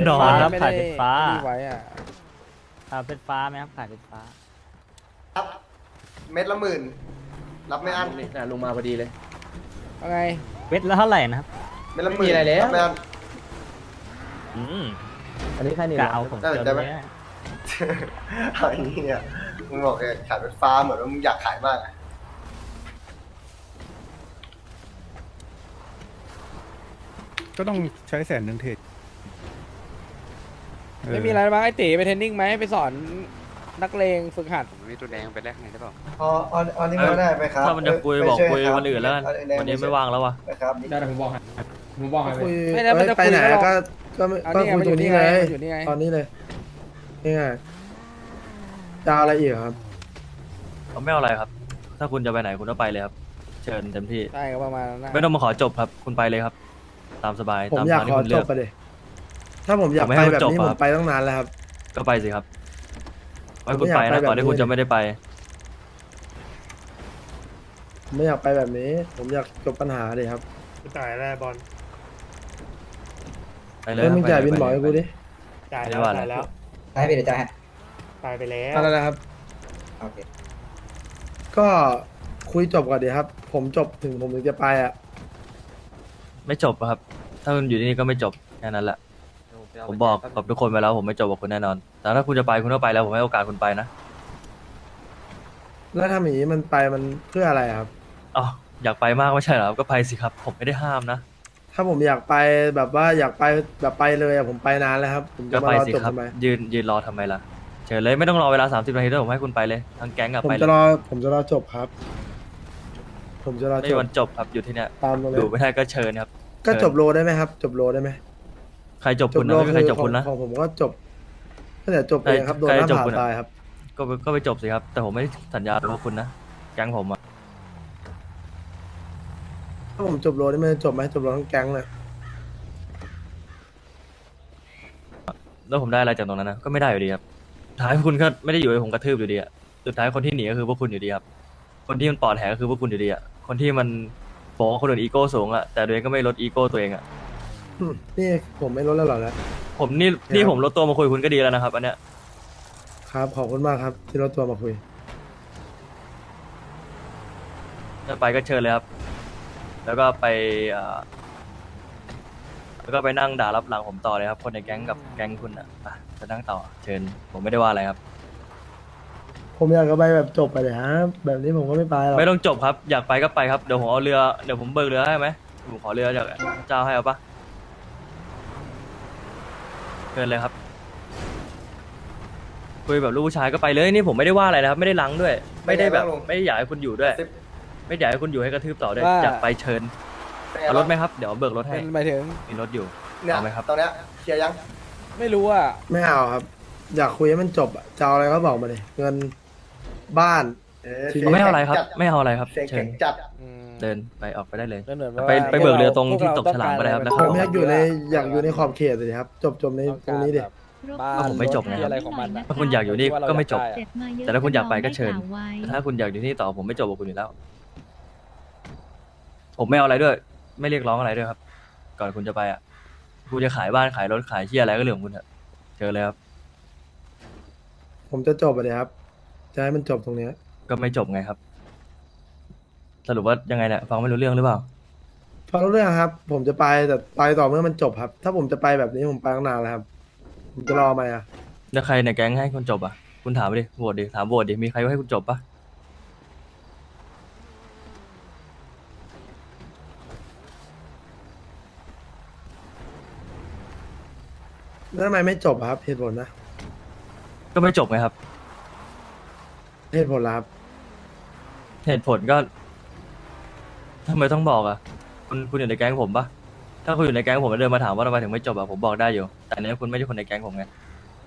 นอนครับไม่ขาได้ยเป็นฟ้าไม่ได้ไว้อ่ะขาเป็นฟ้าไหมครับขายเป็นฟ้ารับเม็ดละ10,000รับไม่อั้นนี่ลุงมาพอดีเลยเอาไงเวทแล้วเท่าไหร่นะครับเม็ดละไม่หมื่มีนอะไรแล้วรับไม่อั้นอืมอันนี้แค่นี้กะเอาผมได้เจอได้ไหมเนี่ยเอาอย่างนี้อ่ะมึงบอกขายเป็นฟ้าเหมือนว่ามึงอยากขายมากอะก็ต้องใช้100,000เทรดไม่มีอะไรบ้างไอ้ตีไปเทรนนิ่งไหมไปสอนนักเลงฝึกหัดมีตัวแดงไปแลกไหนได้เปล่าอันนี้มาได้ไหมครับถ้ามันจะคุยบอกคุยไปช่วันอื่นแล้วกันเอาแดงวันนี้ไม่ว่างแล้ววะนะครับได้แต่ผมบอกให้ผมบอกให้คุยไม่ได้มันจะไปคุยไหนก็ลองก็ไม่เอาก็นี่ไงคุยอยู่นี่ไงมันอยู่นี่ไงตอนนี้เลยนี่ไงจะเอาอะไรอีกครับผมไม่เอาอะไรครับ ถ้าคุณจะไปไหนคุณก็ไปเลยครับ เชิญเต็มที่ใช่ก็ประมาณนั้นนะไม่ต้องมาขอจบครับ คุณไปเลยครับ ตามสบายผมตามอยากทางขที่อคุณจเลือบ กไปเลยถ้าผมอยากผมไม่ไปให้แบบจบนี้อะผมไปตั้งนานแล้วครับก็ไปสิครับไว้ผมคุณไม่อยากไปนะไปแบบก่อนที่คุณนี้จะไม่ได้ไปผมไม่อยากไปแบบนี้ ผมอยากจบปัญหาเลยครับจ่ายแล้วบอลไปเลยแล้วมึงไปจ่ายเลบินไปบอกให้กูดิจ่ายไม่แล้วว่าจ่ายแล้วให้พี่เดี๋ยวจ่ายให้จ่ายไปแล้วอะไรนะครับโอเคก็คุยจบก่อนดีครับ ผมจบถึงผมถึงจะไปอ่ะไม่จบอะครับ ถ้าคุณอยู่ที่นี่ก็ไม่จบแค่นั้นแหละ ผมบอกกับทุกคนไปแล้วผมไม่จบกับคุณแน่นอน แต่ถ้าคุณจะไปคุณก็ไปแล้วผมให้โอกาสคุณไปนะแล้วทำอย่างนี้มันไปมันเพื่ออะไรครับอ๋ออยากไปมากไม่ใช่เหรอครับก็ไปสิครับ ผมไม่ได้ห้ามนะถ้าผมอยากไปแบบว่าอยากไปแบบไปเลยอะผมไปนานแล้วครับ ผมจะก็มาไปรอสิจบครับทำไมยืนรอทำไมล่ะ เชิญเลยไม่ต้องรอเวลา30 นาทีด้วยผมให้คุณไปเลยทั้งแก๊งกับผมไปเลจะยรอผมจะรอจบครับ ผมจะรอไม่จมีบวันจบครับอยู่ที่เนี่ยตามตรงอนี้ยู่ไม่ได้ก็เชิญครับก็เชิญจบโลได้ไหมครับ จบโลได้ไหมใครจบคุณนะไม่มีใครจบคุณนะของผมก็จบตั้งแต่จบเองครับโดนใครหน้าจบผาคุณอะตายครับก็ไปจบสิครับ แต่ผมไม่ได้สัญญากับคุณนะแก๊งผมอะถ้าผมจบโลนี่มันจะจบไหมจบโลทั้งแก๊งเลยแล้วผมได้อะไรจากตรงนั้นนะก็ไม่ได้อยู่ดีครับสุดท้ายคุณก็ไม่ได้อยู่ให้ผมกระทืบอยู่ดีอะสุดท้ายคนที่หนีก็คือพวกคุณอยู่ดีครับคนที่มันปอดแหกก็คือพวกคุณอยู่ดีอะคนที่มันบอกว่าคนอื่นอีโก้สูงอะแต่ตัวเองก็ไม่ลดอีโก้ตัวเองอะนี่ผมไม่ลดแล้วหรอกนะผมนี่ผมลดตัวมาคุยคุณก็ดีแล้วนะครับอันเนี้ยครับขอบคุณมากครับ ที่ลดตัวมาคุยจะไปก็เชิญเลยครับ แล้วก็ไปแล้วก็ไปนั่งด่ารับหลังผมต่อเลยครับ คนในแก๊งกับแก๊งคุณอะจะนั่งต่อเชิญ ผมไม่ได้ว่าอะไรครับผมอยากจะไปแบบจบไปเลยครับแบบนี้ผมก็ไม่ไปหรอกไม่ต้องจบครับ อยากไปก็ไปครับ เดี๋ยวผมเอาเรือ เดี๋ยวผมเบิกเรือให้ไหมผมขอเรือจากเจ้าให้เอาปะเชิญเลยครับ คุยแบบลูกผู้ชายก็ไปเลย นี่ผมไม่ได้ว่าอะไรนะครับ ไม่ได้ลังด้วย ไม่ได้แบบ ไม่ได้อยากให้คุณอยู่ด้วย ไม่อยากให้คุณอยู่ให้กระทืบต่อด้วย อยากไปเชิญ เอารถไหมครับ เดี๋ยวเบิกรถให้เป็นหมายถึงมีรถอยู่เนี่ยเอาไหมครับตอนเนี้ยเคลียร์ยังไม่รู้อ่ะไม่เอาครับ อยากคุยให้มันจบอะจะเอาอะไรก็บอกมาเลยเงินบ้าน ทีนี้ไม่เอาอะไรครับ ไม่เอาอะไรครับเสียงเชิแข็ญงจัดอืมเดินไปออกไปได้เลยแล้วเหมือนว่าไปเบิกเรือตรงพวที่เาตกฉลามก็ได้ครับต้แล้องวผมกอยากอยู่ในอยากอยู่ในขอบเขตเลยครับ จบในตรงนี้ดิบ้านผมไม่จบไงรถอะไรของมันอะถ้าคุณอยากอยู่นี่ก็ไม่จบที่ว่าเราอยากได้อะแต่ถ้าคุณอยากไปก็เชิญ แต่ถ้าคุณอยากอยู่ที่นี่ต่อผมไม่จบกับคุณอยู่แล้ว ผมไม่เอาอะไรด้วย ไม่เรียกร้องอะไรด้วยครับ ก่อนคุณจะไปอ่ะ คุณจะขายบ้านขายรถขายเชี่ยอะไรก็เรื่องของคุณเถอะเจอเลยครับผมจะจบไปเลยครับ จะให้มันจบตรงเนี้ยก็ไม่จบไงครับ สรุปว่ายังไงเนี่ยฟังไม่รู้เรื่องหรือเปล่าพอรู้เรื่องครับ ผมจะไปแต่ไปต่อเมื่อมันจบครับ ถ้าผมจะไปแบบนี้ผมไปตั้งนานแล้วครับ ผมจะรอไหมอ่ะแล้วใครในแก๊งให้คุณจบอ่ะ คุณถามไปดิโหวตดิถามโหวตดิมีใครให้คุณจบปะแล้วทำไมไม่จบอะครับเหตุผลนะก็ไม่จบไงครับเหตุผลละครับเหตุผลก็ทำไมต้องบอกอ่ะ คุณอยู่ในแก๊งผมปะถ้าคุณอยู่ในแก๊งผมแล้วเดินมาถามว่าทำไมถึงไม่จบอ่ะผมบอกได้อยู่ แต่อันนี้คุณไม่ใช่คนในแก๊งผมไง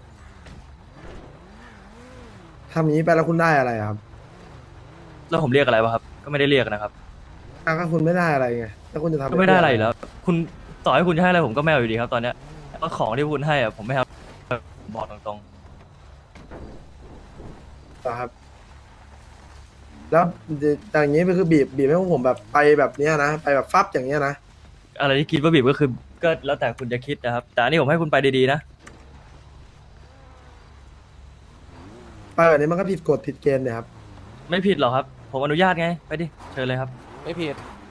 ทำอย่างนี้ไปแล้วคุณได้อะไรอะครับแล้วผมเรียกอะไรวะครับ ก็ไม่ได้เรียกนะครับอ้าวก็คุณไม่ได้อะไรไงแล้วคุณจะทำก็ไม่ได้อะไรอยู่แล้ว คุณต่อให้คุณจะให้อะไรผมก็ไม่เอาอยู่ดีครับ ตอนเนี้ยแล้วของที่คุณให้อ่ะผมไม่เอาผมบอกตรงต่อครับ แล้วอย่างนี้ก็คือบีบให้พวกผมแบบไปแบบเนี้ยนะไปแบบฟับอย่างเงี้ยนะๆอะไรที่คิดว่าบีบก็คือก็แล้วแต่คุณจะคิดนะครับ แต่อันนี้ผมให้คุณไปดีๆนะไปแบบนี้มันก็ผิดกฎผิดเกณฑ์เนี่ยครับไม่ผิดหรอกครับ ผมอนุญาตไง ไปดิ เชิญเลยครับไม่ผิด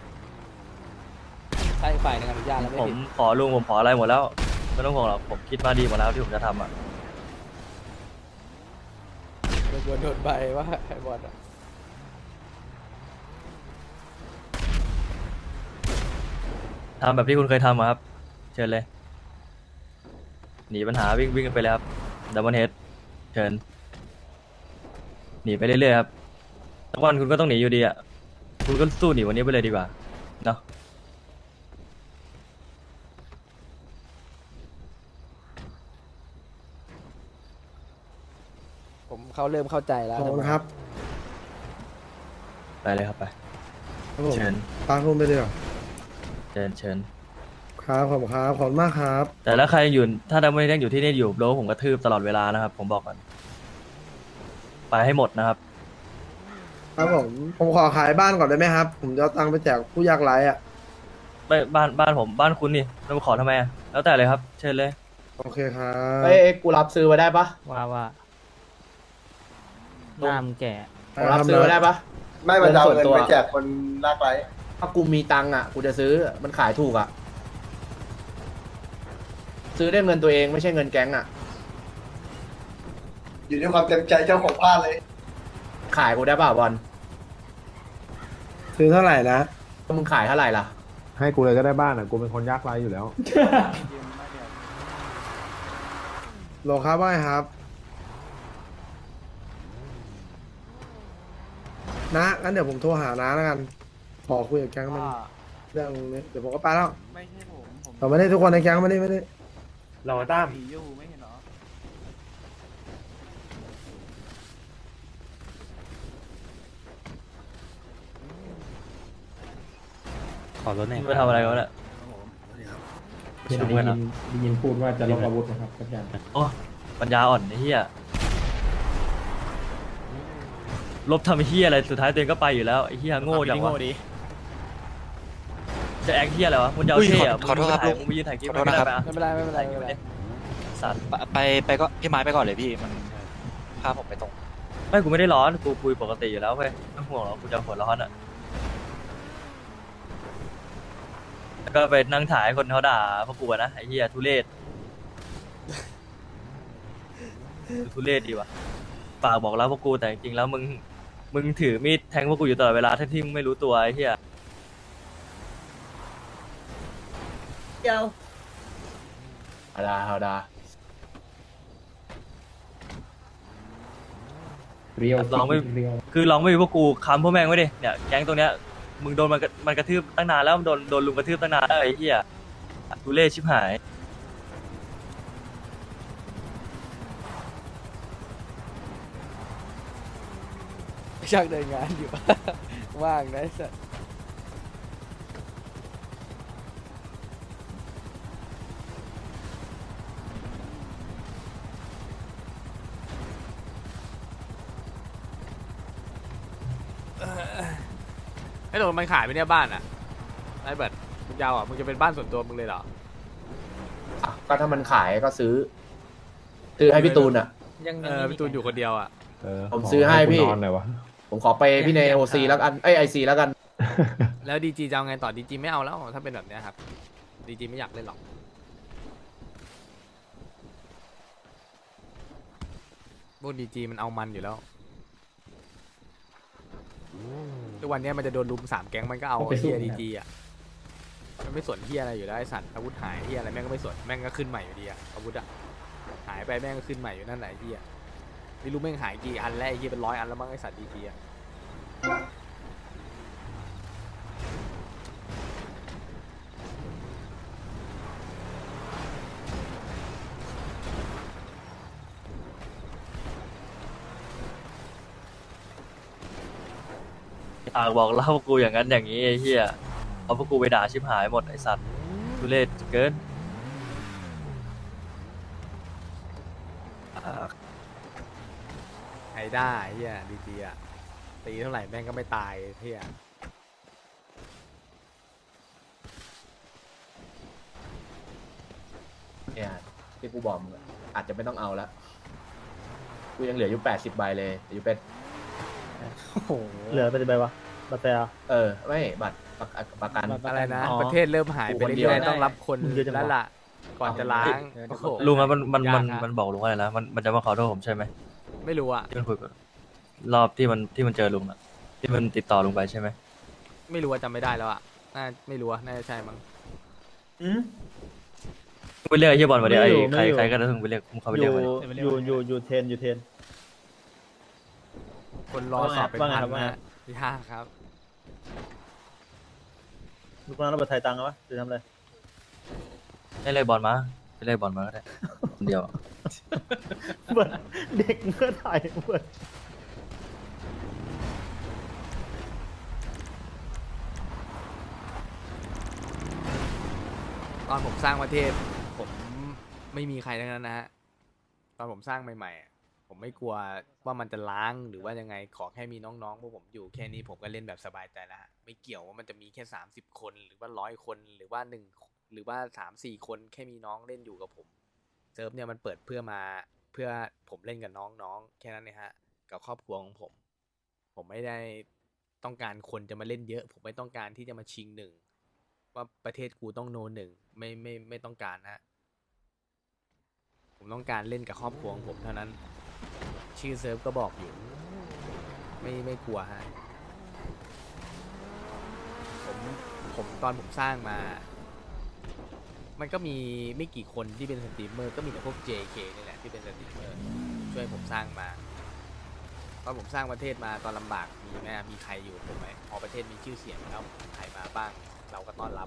ถ้าอีกฝ่ายหนึงอนุญาตแล้วไม่ผมผิดขอลุงผมขออะไรหมดแล้ว ไม่ต้องห่วงหรอก ผมคิดมาดีหมดแล้วที่ผมจะทำอ่ะโดนใบว่าไอ้บอลอะทำแบบที่คุณเคยทำอะครับ เชิญเลย หนีปัญหาวิ่งกันไปเลยครับดับเบิลเฮดเชิญ หนีไปเรื่อยๆครับสักวันคุณก็ต้องหนีอยู่ดีอ่ะ คุณก็สู้หนีวันนี้ไปเลยดีกว่า เนาะผมเขาเริ่มเข้าใจแล้วขอบคุณครับไปเลยครับไปครับผมเชิญปาคุณไปเลยเหรอเชิญเชิญครับขอบคุณครับขอบคุณมากครับแต่ถ้าใครอยู่ ถ้าดับเบิลเฮดยังอยู่ที่นี่อยู่โดนผมกระทืบตลอดเวลานะครับ ผมบอกก่อน ไปให้หมดนะครับครับผมขอขายบ้านก่อนได้ไหมครับ ผมจะเอาตังค์ไปแจกผู้ยากไร้อ่ะไม่บ้านผมบ้านคุณนี่เรามาขอทำไมอะแล้วแต่เลยครับ เชิญเลยโอเคครับเอ้ยกูรับซื้อมาได้ปะว่าหน้ามึงแก่ผมรับซื้อมาได้ปะไม่มันจะเอาเงินส่วนตัวเงินไปแจกคนลากไร้ถ้ากูมีตังค์อ่ะกูจะซื้อมันขายถูกอ่ะซื้อได้เงินตัวเองไม่ใช่เงินแก๊งอ่ะอยู่ด้วยความเต็มใจเจ้าของบ้านเลยขายกูได้ป่ะบอลซื้อเท่าไหร่นะมึงขายเท่าไหร่ล่ะให้กูเลยก็ได้บ้านอ่ะ กูเป็นคนยากไร้อยู่แล้วโหลครับว่าไงครับนะงั้นเดี๋ยวผมโทรหาน้าแล้วกัน ขอคุยกับแก๊งมันเรื่องนี้เดี๋ยวผมก็ไปแล้วแต่ไม่ได้ทุกคนในแก๊งไม่ได้เราตั้มขอรถหน่อยไปทำอะไรกันวะเนี่ยได้ยินพูดว่าจะลบอาวุธนะครับอาจารย์โอ้ปัญญาอ่อนไอ้เหี้ยลบทำไอ้เหี้ยอะไรสุดท้ายตัวเองก็ไปอยู่แล้วไอ้เหี้ยโง่จังวะจะแอคเหี้ยอะไรวะมึงจะเอาเท่อะขอโทษครับมึงไปยืนถ่ายคลิปขอโทษนะครับไม่เป็นไรไม่เป็นไรไม่เป็นไรสัตว์ไปก็พี่ไม้ไปก่อนเลยพี่มันพาผมไปตรงไม่กูไม่ได้ร้อนกูคุยปกติอยู่แล้วเว้ยไม่ต้องห่วงหรอกกูจะหัวร้อนอ่ะแล้วก็ไปนั่งถ่ายให้คนเขาด่าพวกกูอะนะไอ้เหี้ยทุเรศทุเรศดีว่ะปากบอกแล้วพวกกูแต่จริงๆแล้วมึงถือมีดแทงพวกกูอยู่ตลอดเวลาทั้งที่มึงไม่รู้ตัวไอ้เหี้ยเอาดาเรียวลองไม่เรียวคือลองไม่มีพวกกูค้ำพวกแม่งไว้ดิเนี่ยแก๊งตรงเนี้ยมึงโดนมันกระทืบตั้งนานแล้วมึงโดนลุงกระทืบตั้งนานแล้วไอ้เหี้ยทุเรศชิบหายช่างเดินงานอยู่ ว่างนะไอ้สัสไอ้หนูมันขายไปเนี่ยบ้านอ่ะไอ้เบิร์ดมึงยาวอ่ะมึงจะเป็นบ้านส่วนตัวมึงเลยเหรออ่ะก็ถ้ามันขายก็ซื้อให้พี่ตูนอ่ะพี่ตูนอยู่คนเดียวอ่ะผมซื้อให้พี่กูนอนหน่อยวะผมขอไปพี่ในโอซีแล้วกันไอซีแล้วกันแล้วดีจีจะเอาไงต่อดีจีไม่เอาแล้วถ้าเป็นแบบเนี้ยครับดีจีไม่อยากเล่นหรอกพวกดีจีมันเอามันอยู่แล้วทุกวันเนี้ยมันจะโดนลุม3 แก๊งมันก็เอาเฮียดีจีอ่ะมันไม่สนเฮียอะไรอยู่แล้วไอ้สัตว์อาวุธหายเฮียอะไรแม่งก็ไม่สนแม่งก็ขึ้นใหม่อยู่ดีอ่ะอาวุธอ่ะหายไปแม่งก็ขึ้นใหม่อยู่นั่นแหละไอ้เฮียไม่รู้แม่งหายกี่อันแล้วไอ้เฮียเป็น100 อันแล้วมั้งไอ้สัตว์ดีจีอ่ะปากบอกเล่าพวกกูอย่างนั้นอย่างนี้ไอ้เหี้ยเอาพวกกูไปด่าชิบหายหมดไอ้สัตว์ทุเรศเกินใครได้เฮียดีจีอ่ะตีเท่าไหร่แม่งก็ไม่ตายเฮียเนี่ยที่กูบอกมึงอะอาจจะไม่ต้องเอาแล้วกูยังเหลืออยู่80 ใบเลยอยู่เป็นเหลือไปกี่ใบวะบัตรแต่ไม่บัตรประกันอะไรนะอ๋อประเทศเริ่มหายไปกูคนเดียวเรื่อยๆต้องรับคนเยอะจังวะแล้วล่ะก่อนจะล้างโอ้โหลุงครับมันยากฮะมันบอกลุงว่าอะไรนะมันจะมาขอโทษผมใช่ไหมไม่รู้อะที่มันคุยกับรอบที่มันเจอลุงอะที่มันติดต่อลุงไปใช่ไหมไม่รู้ว่าจำไม่ได้แล้วอะน่าไม่รู้อะน่าจะใช่มั้งไปเรียกไอ้เฮียบอลมาดิไอ้ไม่อยู่ใครก็ได้ถึงไปเรียกเขาไปเรียกมาดิอยู่เทนคนรอสอบเป็นว่าไงพันครับว่าไงนะยากครับลูกน้องเราบัตรไทยตังค์วะจะทำอะไรให้เรียกบอลมาไปเรียกบอลมาก็ได้คนเดียวอะเบิร์ดเด็กเมื่อไหร่เบิร์ดตอนผมสร้างประเทศ ผมไม่มีใครทั้งนั้นนะฮะตอนผมสร้างใหม่ๆอะผมไม่กลัวว่ามันจะล้างหรือว่ายังไงขอแค่มีน้องๆพวกผมอยู่แค่นี้ผมก็เล่นแบบสบายใจแล้วฮะไม่เกี่ยวว่ามันจะมีแค่30 คนหรือว่า100 คนหรือว่าหรือว่า3-4 คนแค่มีน้องเล่นอยู่กับผมเซิร์ฟเนี่ยมันเปิดเพื่อผมเล่นกับน้องๆแค่นั้นนะฮะกับครอบครัวของผม ผมไม่ได้ต้องการคนจะมาเล่นเยอะ ผมไม่ต้องการที่จะมาชิงหนึ่งว่าประเทศกูต้องโนหนึ่งไม่ต้องการฮะผมต้องการเล่นกับครอบครัวของผมเท่านั้น ชื่อเซิร์ฟก็บอกอยู่ ไม่กลัวฮะผมตอนผมสร้างมา มันก็มีไม่กี่คนที่เป็นสตรีมเมอร์ก็มีแต่พวก JK นี่แหละที่เป็นสตรีมเมอร์ช่วยผมสร้างมาตอนผมสร้างประเทศมาตอนลำบากมีไหมมีใครอยู่กับผมไหมพอประเทศมีชื่อเสียงแล้วใครมาบ้างเราก็ต้อนรับ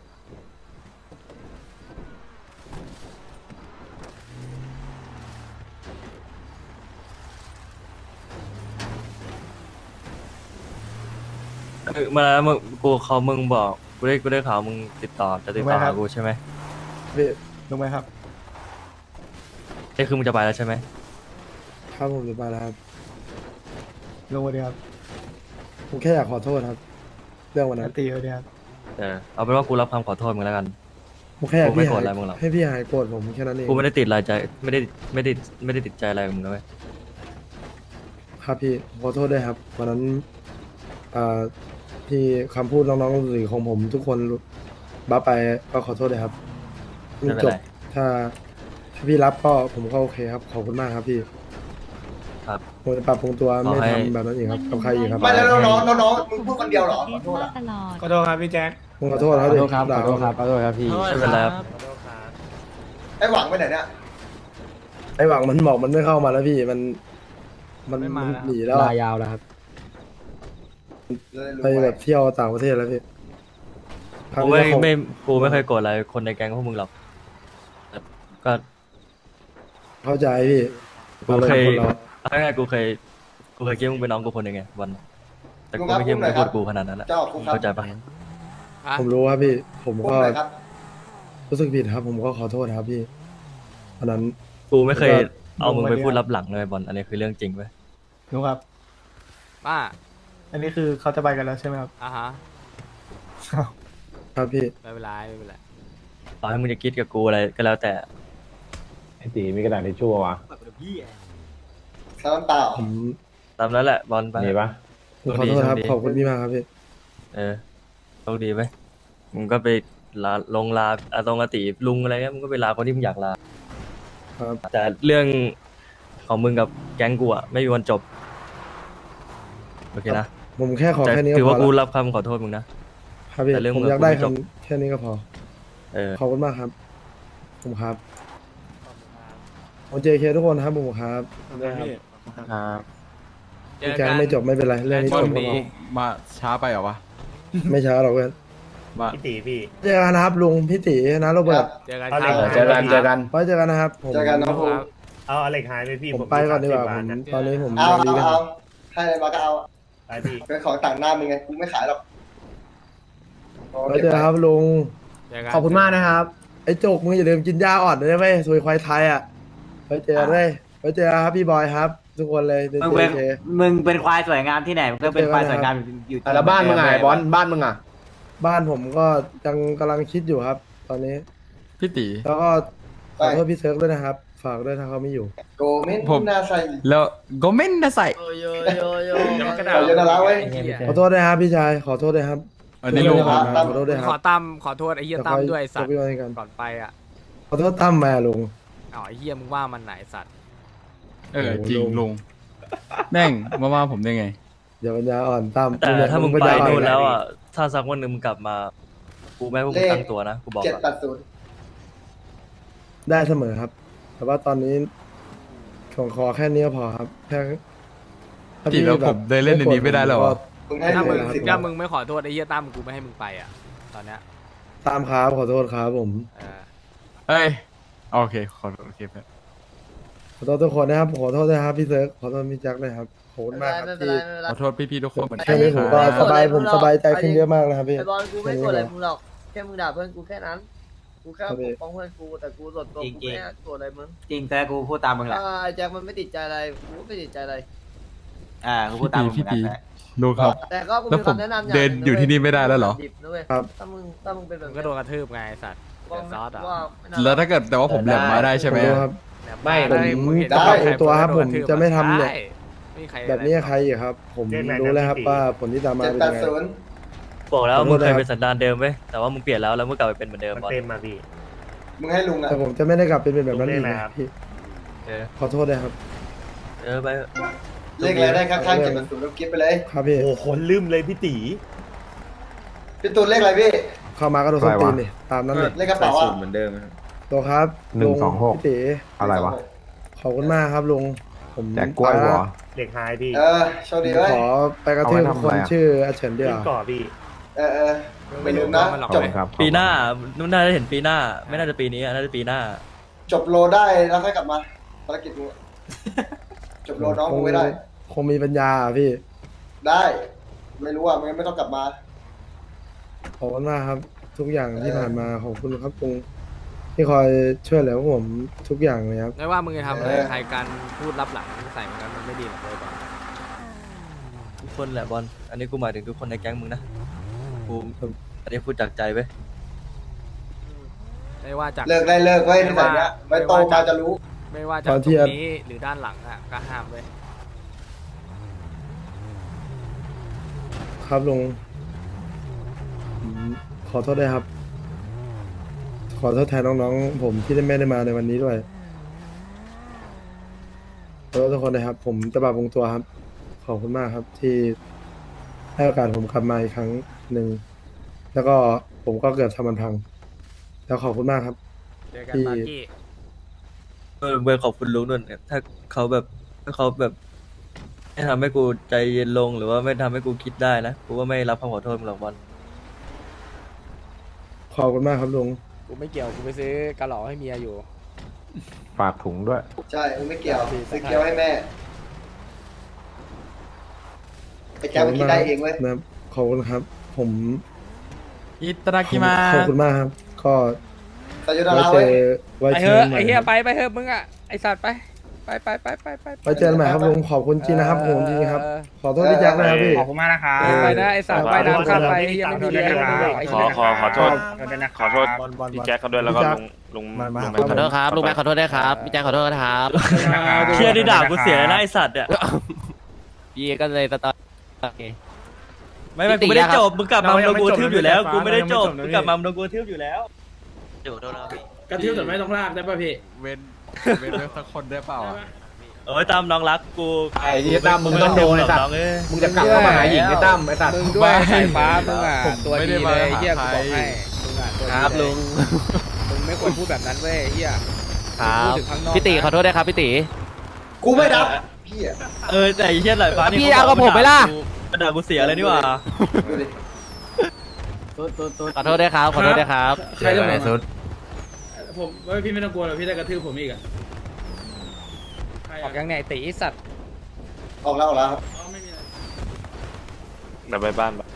มามึงมึงบอกกูได้ข่าวมึงจะติดต่อหากูใช่ไหมพี่ลงไหมครับนี่คือมึงจะไปแล้วใช่ไหมครับผมจะไปแล้วครับลงมาดีครับผมแค่อยากขอโทษครับ เรื่องวันนั้นตีเลยครับเอาเป็นว่ากูรับคำขอโทษมึงแล้วกันผมแค่อยากผมไม่พี่โกรหาธยอะไรมึงหรอกให้พี่หายโกรธผมแค่นั้นเองกูไม่ได้ติดอะไรใจไม่ได้ติดใจอะไรกับมึงนะเว้ยครับพี่ขอโทษด้วยครับวันนั้นที่คำพูดน้องๆหรือของผมทุกคนบัฟไปก็ขอโทษด้วยครับไม่เป็นจไรบถ้าพี่รับก็ผมก็โอเคครับขอบคุณมากครับพี่ครับผมจะปรับปรุงตัวขอไม่ให้ทำแบบนั้นอีกครับกับใครอีกครับไม่แล้วน้องมึงพูดคนเดียวเหรอขอโทษอะตลอดขอโทษครับพี่แจ็คผมขอโทษครับขอโทษครับด่าขอโทษครับขอโทษครับพี่ไม่เป็นไรครับไอ้หวังไปไหนเนี่ยไอหวังมันบอกมันไม่เข้ามาแล้วพี่มันไม่มาแล้วหนีแล้วลายาวแล้วครับไปแบบเที่ยวต่างประเทศแล้วพี่ครั้งกูนี้ก็คงกูไม่เคยโกรธอะไรคนในแก๊งพวกมึงหรอกแต่ก็เข้าใจพี่กูเคยคนเราเอาง่ายๆกูเคยคิดว่ามึงเป็นน้องกูคนหนึ่งไงวันแต่กูไม่คิดว่ามึงจะพูดกูขนาดนั้นแหละเจ้าคุกครับเข้าใจปะอ่ะผมรู้ครับพี่ ผมคุกก็ไหนครับรู้สึกผิดครับ ผมก็ขอโทษครับพี่อันนั้นกูไม่เคยแล้วก็เอามึงไปพูดรับหลังเลยบอลอันนี้คือเรื่องจริงเว้ยนุ๊กครับป้าอันนี้คือเขาจะไปกันแล้วใช่ไหมครับอ่ะฮะครับพี่ไม่เป็นไรไม่เป็นไรต่อให้มึงจะคิดกับกูอะไรก็แล้วแต่ไอตีมีกระดาษทิชชู่วะข้าวน้ำเปล่าผมตามนั้นแหละบอลไปมีปะผมขอโทษครับโชคดีขอบคุณพี่มากครับพี่โชคดีไหมมึงก็ไปลาลงลาอาตรงอาติลุงอะไรเงี้ยมึงก็ไปลาคนที่มึงอยากลาครับแต่เรื่องของมึงกับแก๊งกูอะไม่มีวันจบโอเคนะผมแค่ขอแต่แค่นี้ถือก็พว่าอกูแล้วรับคำขอโทษมึงนะครับพี่แต่เรื่องผมเมืองอยากได้กูไม่จบแค่นี้ก็พอ ขอบคุณมากครับ ผมครับผมเจเคทุกคนครับผมครับครับเจอแกกันไม่จบไม่เป็นไรเรื่องนี้จบดีมาช้าไปเหรอวะไม่ช้าหรอกเพื่อนพี่ตีพี่เจอกันนะครับลุงพี่ตีนะโรเบิร์ตเจอกันเอาคเลรัยบเจอกันเจอกันไว้เจอกันนะครับผมเจอกันน้องภูครับเอาอเล็กหายไปพี่ผมไปก่อนดีกว่า 30 ผมบทนะตอนนี้ผมเอายังดีกันให้อะไรมาก็เอาไปพี่เป็นของต่างหน้ามึงไงกูไม่ขายหรอกไว้เจอกันครับลุงเจอกันขอบคุณมากนะครับไอ้โจกมึงอย่าลืมกินยาอ่อนด้วยไหมซวยควายไทยอ่ะไว้เจอกันเลยไว้เจอกันครับพี่บอยครับ ทุกคนเลยเจมึงเป็นควายสวยงามที่ไหนมึงก็เป็นควายสวยงามอยู่แล้วบ้านมึงไงบอลบ้านมึงอ่ะบ้านผมก็ยังกำลังคิดอยู่ครับ ตอนนี้พี่ตีแล้วก็ขอโทษพี่เซิร์ฟด้วยนะครับ ฝากด้วยถ้าเขาไม่อยู่โกเมนน่าใส่แล้วโกเมนนะใส่ขอเยอะนะละเว้ยขอโทษด้วยครับพี่ชาย ขอโทษด้วยครับอันนี้ลุงขอขอโทษด้วยคขรัอบ ขอโทษไอ้เหี้ยตั้มด้วยไอ้สัตว์จะคอยยกพี่ไว้กันก่อนไปอ่ะขอโทษตั้มมาลุงอ๋อไอ้เหี้ยมึงว่ามันไหนสัตว์จริงลุงแม่งมาว่าผมได้ไงอย่าปัญญาอ่อนตั้มแต่ถ้ามึงปัญไปญาอ่อนู่นแล้วอ่ะถ้าสักวันหนึ่งมึงกลับมากูไม่ให้พวกมึงตั้งตัวนะกูบอกเจ็ดก่อนแปดศูนย์ได้เสมอครับ แต่ว่าตอนนี้ขอแค่นี้ก็พอครับแค่ถ้าจริงแล้วผมเดินเล่นในนี้ไม่ได้หรอมึงให้ถ้าเลมึยงสิบถ้ามึงไม่ขอโทษไอ้เหี้ยตั้มกูไม่ให้มึงไปอ่ะตอนเนี้ยตามครับขอโทษครับผมเออเอ้ยโอเคขอโอเคครับขอโทษทุกคนนะครับขอโทษด้วยครับพี่เซิร์ฟขอโทษพี่แจ็คด้วยครับขอบคุณมากครับที่ขอโทษพี่ๆทุกคนเหมือนแค่กันนี้นะผมคก็รับสบายผมสบายใจขึ้นเยอะมากนะครับพี่ไอ้บอลกูไม่กดอะไรมึงหรอกแค่มึงด่าเพื่อนกูแค่นั้นกูแค่ครับปพี่กป้องเพื่อนกูแต่กูส่วนตัวกูไม่ได้กดอะไรมึงจริงแต่กูพูดตามมึงแหละไอ้แจ็คมันไม่ติดใจอะไรกูก็ไม่ติดใจอะไรกูพูดตามมึงเหมือนกันแหละลุงครับแต่ก็กูแล้วมีผมคำแนะนำอย่างเดินอยู่ที่นี่ไม่ได้แล้วเหรอดิบนะเว้ยครับถ้ามึงเป็นแบบมึงก็โดนกระทืบไงไอ้สัตว์เดือดซอสอ่ะว่าไม่น่แล้วถ้าเกิดแต่ว่าผมแหลมมาได้ใช่ไหมขอโทษครับไม่ผมเห็นจะปรับปรุงตัวครับใผมจะไม่ทำเนี่ยได้ไม่มีใครแบบนี้กับใครอีกครับ ผมรู้แล้วครับว่าผลที่ตามมาเจ็ดเป็นแปยัดงไงศูนย์บอกแล้วขอโทมึษงเคยนะครับเป็นสันดานเดิมเว้ยแต่ว่ามึงเปลี่ยนแล้วมึงกลับไปเป็นเหมือนเดิมบอลมึงให้ลุงอ่ะแต่ผมจะไม่ได้กลับเป็นแบบนั้นอีกนะพี่เออขอโทษด้วยครับไปเลขอะไรได้ข้างๆเจ็ดแปดศูนย์แล้วกิ๊บไปเลยครับพี่โอ้คนลืมเลยพี่ตีพี่ตูนเลขอะไรพี่เข้ามาก็โดนส้นตีนนี่ตามนั้นเลยเลขกระเป๋าอ่ะตัวครับลุงพี่ตีอะไรวะขอบคุณมากครับลุงผมแจกกล้วยเหรอเด็กหายพี่โชคดีเลยขอไปกระทืบคนชื่ออาเฉินเดียวขึ้นก่อพี่ไม่ลืมนะจบปีหน้านุ่นน่าจะเห็นปีหน้า ไม่น่าจะปีนี้น่าจะปีหน้าจบโลได้แล้วค่อยกลับมาภารกิจมึงจบโลน้องมึงไม่ได้คงมีปัญญาอะพี่ได้ ไม่รู้อ่ะมึงไม่ต้องกลับมาขอบคุณมากครับ ทุกอย่างที่ผ่านมาขอบคุณครับลุงที่คอยช่วยเหลือพวกผมทุกอย่างเลยครับไม่ว่ามึงจะทำอะไรใครการพูดรับหลังใส่มันมันไม่ดีหรอกเลยบอลทุกคนแหละบอลอันนี้กูหมายถึงทุกคนในแก๊งมึงนะกูอันนี้พูดจากใจเว้ยไม่ว่าจากเลิกได้เลิกไว้ในสายเนี้ยไว้โตมาจะรู้ไม่ว่าจากตรงนี้หรือด้านหลังอ่ะก็ห้ามเลยครับลุงผมขอโทษด้วยครับ ขอโทษแทนน้องๆผมที่ไม่ได้มาในวันนี้ด้วยขอโทษทุกคนนะครับ ผมจะปรับปรุงตัวครับ ขอบคุณมากครับ ที่ให้โอกาสผมกลับมาอีกครั้งหนึ่งแล้วก็ผมก็เกือบทำมันพัง แล้วขอบคุณมากครับเจอกันบาร์กี้เบอร์ขอบคุณลุงด้วยเนี่ยถ้าเขาแบบไม่ทำให้กูใจเย็นลงหรือว่าไม่ทำให้กูคิดได้นะกูว่าไม่รับคำขอโทษมึงหรอกบอลขอบคุณมากครับลุงกูไม่เกี่ยวกูไปซื้อกระหล่อให้เมียอยู่ฝากถุงด้วยใช่มึงไม่เกี่ยวซื้อเกี๊ยวให้แม่ไอ้แก้วมันคิดได้เองเว้ยนะครับขอบคุณครับ ผมอิตารากิมาขอบคุณมากครับ ก็สายุนาไว้ราเจเว้ยอไว้ไปเจเถออะกันใหม่ไอ้เฮียครับไปเถอะมึงอ่ะไอสัตว์ไปไว้เจอกันใหม่ครับลุงขอบคุณจริงนะครับผมจริงครับ ขอโทษพี่แจ็คนะครับพี่ขอบคุณมากนะครับไปนะไอสัตว์ไปน้ำข้ามไปไอ้เฮียไม่มีเลี้ยงไอ้ขอเหี้ยขอโทษขอโทษพี่แจ็คเขาด้วยแล้วก็ลุงขอโทษครับลุงแม่ขอโทษด้วยครับพี่แจ๊คขอโทษนะครับเชี่ยที่ด่ากูเสียเลยนะไอสัตว์เนี่ยพี่ก็เลยตอนโอเคไม่กูไม่ได้จบมึงกลับมามึงโดนกูกระทืบอยู่แล้วกูไม่ได้จบมึงกลับมามึงโดนกูกระทืบอยู่แล้วอยู่โทษนะครับพี่กระทืบแต่ไม่ต้องลากได้ป่ะพี่เว้นเว้นสักคนได้เปล่าอะโอ้ยตามน้องรักกูไอ้ที่ตั้มมึงต้องโดนไอ้สัตว์น้องเอ้ยมึงจะกลับเข้ามาหาหญิงไอ้ตั้มไอ้สัตว์มึงด้วยสายฟ้ามึงอ่ะผมตัวไม่ดีได้เลมายไอ้เฮียหากูใครบอกให้มึงอ่ะตัวคดีรับเลลุยงมึงไม่ควรพูดแบบนั้นเว้ยไอ้เฮียครับพูดถึงข้างนอกพี่ตีขอโทษด้วยครับพี่ตีกูไม่รับพี่อ่ะแต่ไอ้เชี่ยหลายฟ้านี่พี่เอากับผมไหมล่ะด่ากูเสียเลยนี่หว่าดูดิขอโทษด้วยครับขอโทษด้วยครับใช่เรื่องไหนสุดผมว่าพี่ไม่ต้องกลัวหรอกพี่ได้กระทืบผมอีกอ่ะออกยังไงตีไอ้สัตว์ออกแล้วครับไม่มีอะไรเดี๋ยวไปบ้านปะ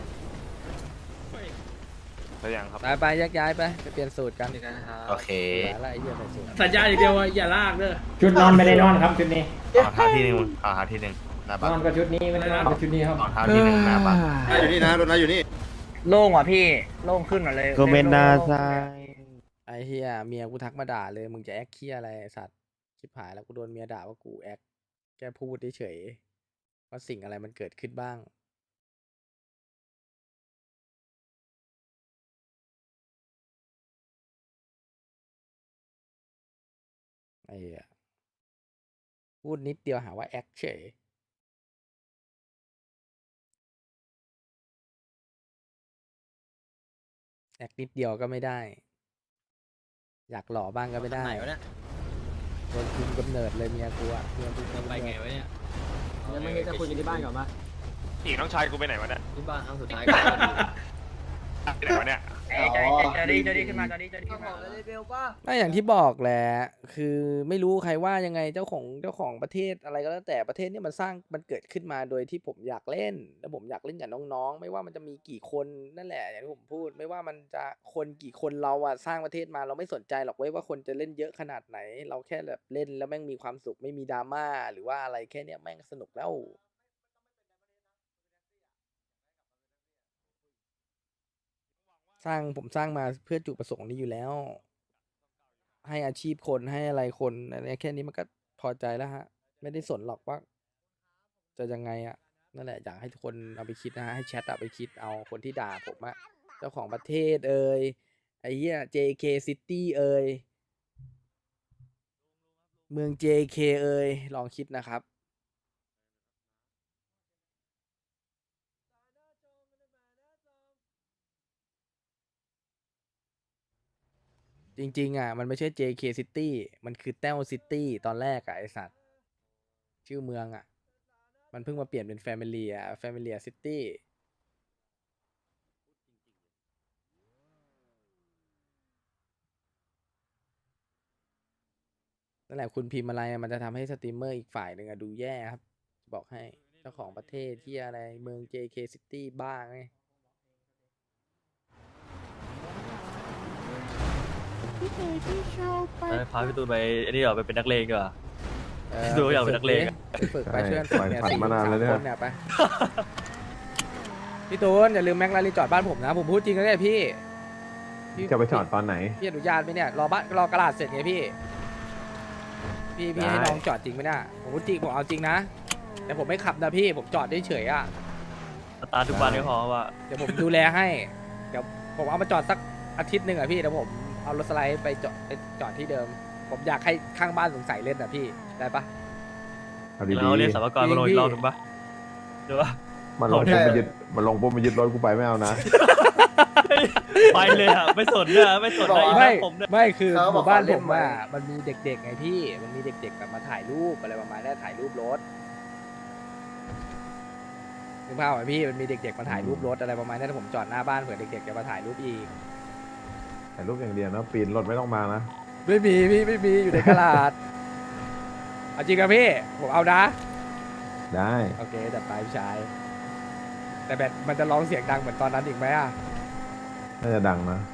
แล้วยังครับไปแยกย้ายไปเปลี่ยนสูตรกันโอเคอะไรไอ้เฮียใส่สูตรสัญญาอย่างเดียวว่าอย่าลากเด้อชุดนอนไม่ได้นอนครับชุดนี้ขอท้าที่หนึ่งขอท้าที่หนึ่งหน้าบ้านนอนกับชุดนี้ไม่ได้นอนกับชุดนี้ครับขอท้าที่หนึ่งหน้าบ้านอยู่นี่นะโดนนะอยู่นี่โล่งว่ะพี่โล่งขึ้นหมดเลยก็เป็นนาซาไอ้อ้เฮียเมียกูทักมาด่าเลยมึงจะแอคเคียอะไรไอ้สัตว์ชิบหายแล้วกูโดนเมียด่าว่ากูแอคแค่พูดเฉยๆว่าสิ่งอะไรมันเกิดขึ้นบ้างไอ้เหี้ยพูดนิดเดียวหาว่าแอคเฉยแอคนิดเดียวก็ไม่ได้ อยากหล่อบ้างก็ไม่ได้โดนคุมกำเนิดเลยเมียกูอะเมียกูไปไงวะเนี่ยยังไม่ได้จะคุยกันที่บ้านก่อนปะอีกน้องชายกูไปไหนวะเนี่ยที่บ้านครั้งสุดท้ายไปไหนวะเนี่ยจะดีขึ้นมาเอาของเลยเบลป่ะไม่อย่างที่บอกแหละคือไม่รู้ใครว่ายังไงเจ้าของประเทศอะไรก็แล้วแต่ประเทศนี้มันเกิดขึ้นมาโดยที่ผมอยากเล่นแล้วผมอยากเล่นกับน้องๆไม่ว่ามันจะมีกี่คนนั่นแหละอย่างที่ผมพูดไม่ว่ามันจะคนกี่คนเราอะสร้างประเทศมาเราไม่สนใจหรอกเว้ยว่าคนจะเล่นเยอะขนาดไหน เราแค่แบบเล่นแล้วแม่งมีความสุขไม่มีดราม่าหรือว่าอะไรแค่เนี้ยแม่งสนุกแล้วผมสร้างมาเพื่อจุดประสงค์นี้อยู่แล้ว ให้อาชีพคนให้อะไรคนอะไรแค่นี้มันก็พอใจแล้วฮะ ไม่ได้สนหรอกว่าจะยังไงอะนั่นแหละอยากให้ทุกคนเอาไปคิดนะฮะให้แชทเอาไปคิดเอาคนที่ด่าผมอะเจ้าของประเทศเอ่ยไอ้เหี้ย JK City เอ่ยเมือง JK เอ่ยลองคิดนะครับจริงๆอ่ะมันไม่ใช่ JK City มันคือแต้ว City ตอนแรกอ่ะไอสัตว์ชื่อเมืองอ่ะมันเพิ่งมาเปลี่ยนเป็น Familia City นั่นแหละคุณพิมพ์อะไรมันจะทำให้สตรีมเมอร์อีกฝ่ายหนึ่งดูแย่ครับบอกให้เจ้าของประเทศที่อะไรเมือง JK City บ้างไงพาพี่ตูนไปไอ้นี่เหรอไปเป็นนักเลงดีกว่าพี่ตูนอยากเป็นนักเลงอะฝึกไปเพื่อนฝึกเนี่ย4-3 คนเนี่ยไปพี่ตูนอย่าลืมแม็กลารีจอดบ้านผมนะผมพูดจริงนะเนี่ยพี่จะไปจอดตอนไหนพี่อนุญาตไหมเนี่ยรอกระดาษเสร็จไงพี่ให้น้องจอดจริงไหมเนี่ยผมพูดจริงผมเอาจริงนะแต่ผมไม่ขับนะพี่ผมจอดได้เฉยอ่ะสตาร์ททุกวันก็พอว่าเดี๋ยวผมดูแลให้เดี๋ยวผมเอามาจอดสักอาทิตย์หนึ่งอ่ะพี่เดี๋ยวผมเอารถสไลด์ไปจอดที่เดิมผมอยากให้ข้างบ้านสงสัยเล่นอ่ะพี่ได้ปะเราเรียกสามกรมาลงอีกรอบถูกปะหรือว่ามันลงปุ๊บมายึดรถกูไปไม่เอานะไปเลยอ่ะไม่สนเลยไม่สนอะไรผมเนี่ยไม่คือหมู่บ้านผมว่ามันมีเด็กๆไงพี่มันมีเด็กๆแบบมาถ่ายรูปอะไรประมาณนี้ถ่ายรูปรถนึกภาพไหมพี่มันมีเด็กๆมาถ่ายรูปรถอะไรประมาณนี้ถ้าผมจอดหน้าบ้านเผื่อเด็กๆจะมาถ่ายรูปอีกถ่ายรูปอย่างเดียวนะปีนรถไม่ต้องมานะไม่มีพี่ไม่มีอยู่ในกระดาษเอาจริงครับพี่ผมเอานะได้โอเคจัดไปพี่ชายแต่แบบมันจะร้องเสียงดังเหมือนตอนนั้นอีกไหมอ่ะน่าจะดังนะ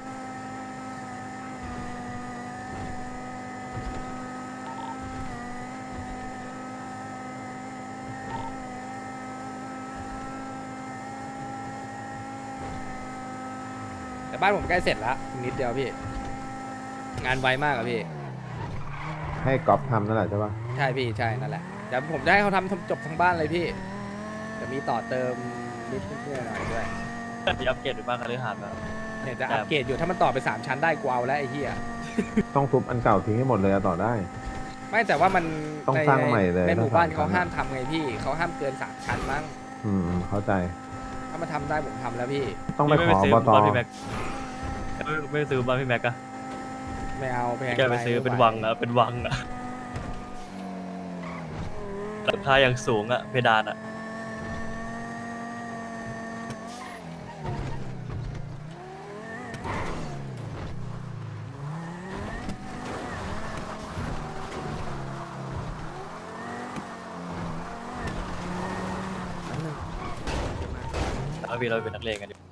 แต่บ้านผมใกล้เสร็จแล้วนิดเดียวพี่งานไวมากอะพี่ให้ก๊อฟทำนั่นแหละใช่ปะใช่พี่ใช่นั่นแหละเดี๋ยวผมจะให้เขาทำจบทั้งบ้านเลยพี่จะมีต่อเติมนิดหน่อยด้วยมีอัปเกรดหรือบ้างกันหรือหาดแบบเนี่ยจะอัปเกรดอยู่ถ้ามันต่อไป3ชั้นได้กวาวแล้วไอ้เหี้ยต้องทุบอันเก่าทิ้งให้หมดเลยต่อได้ไม่แต่ว่ามันต้องสร้างใหม่เลยในหมู่บ้านเขาห้ามทำไงพี่เขาห้ามเกิน3ชั้นมั้งเข้าใจถ้ามาทำได้ผมทำแล้วพี่ต้องไปขออบต. ไม่ซื้อบ้านพี่แม็กอะไม่เอาแพงแกไปซื้อเป็นวังอะเป็นวังอะราคาอย่างสูงอะเพดานอะเราเป็นนักเลงกันดิ